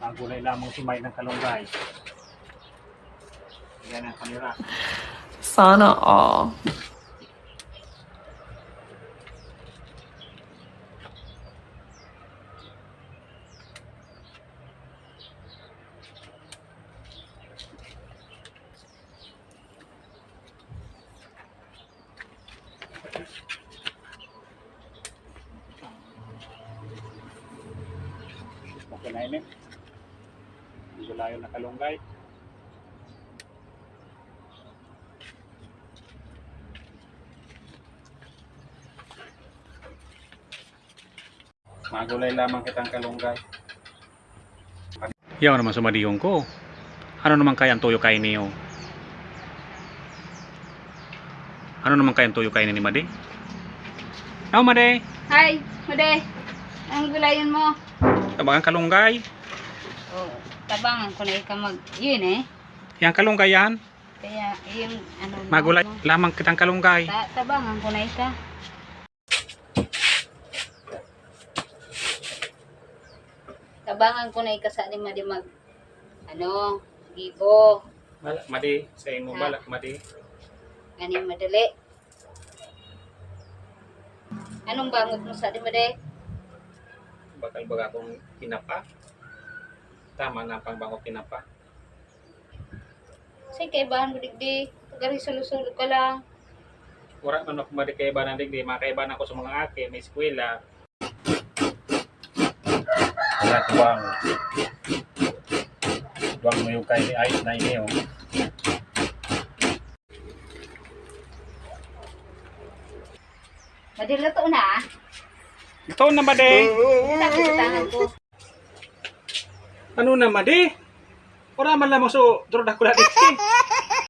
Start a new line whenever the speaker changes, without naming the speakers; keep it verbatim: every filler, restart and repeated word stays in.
Magulay lamang si May ng kalunggay. Yan ang kanira.
Sana all.
Okay na yun eh. Gulayo na kalunggay. Magulay lamang kitang kalunggay. Yaw naman sumadiyong ko. Ano naman kaya ang tuyo kain niyo? Ano naman kaya ang tuyo kain ni Made? Oh, Made!
Hi, Made. Ang gulayan mo.
Tabangan kalunggay.
Oh, tabangan ko na ikaw mag... Yun eh.
Yang kalunggay yan.
Kaya yung ano...
Magulay
mo.
lamang kitang kalunggay.
Ta tabangan ko na ikaw. Tabangan ko na ikaw sa ating Made mag... Ano... Gibo.
Balak, Made. Sa imo
Ha?
balak, Made.
Ganing madali. Anong bangot mo sa ating Made?
Bakal baga akong kinapa. Tama na pang bango kinapa.
Kasi kaibahan mo digdi. Tagari sulusulog ka lang.
Wala man ako Made kay ibanan digdi. Makaiban ako sa mga ate. May eskwela. Wala tuwang. Tuwang mo yung kay ni Ayos na ini oh.
Made, luto na ah.
Ito na Made.
Tapos sa tangan ko.
Ano na Made? Ora man lamang so. Durod ako na digdi.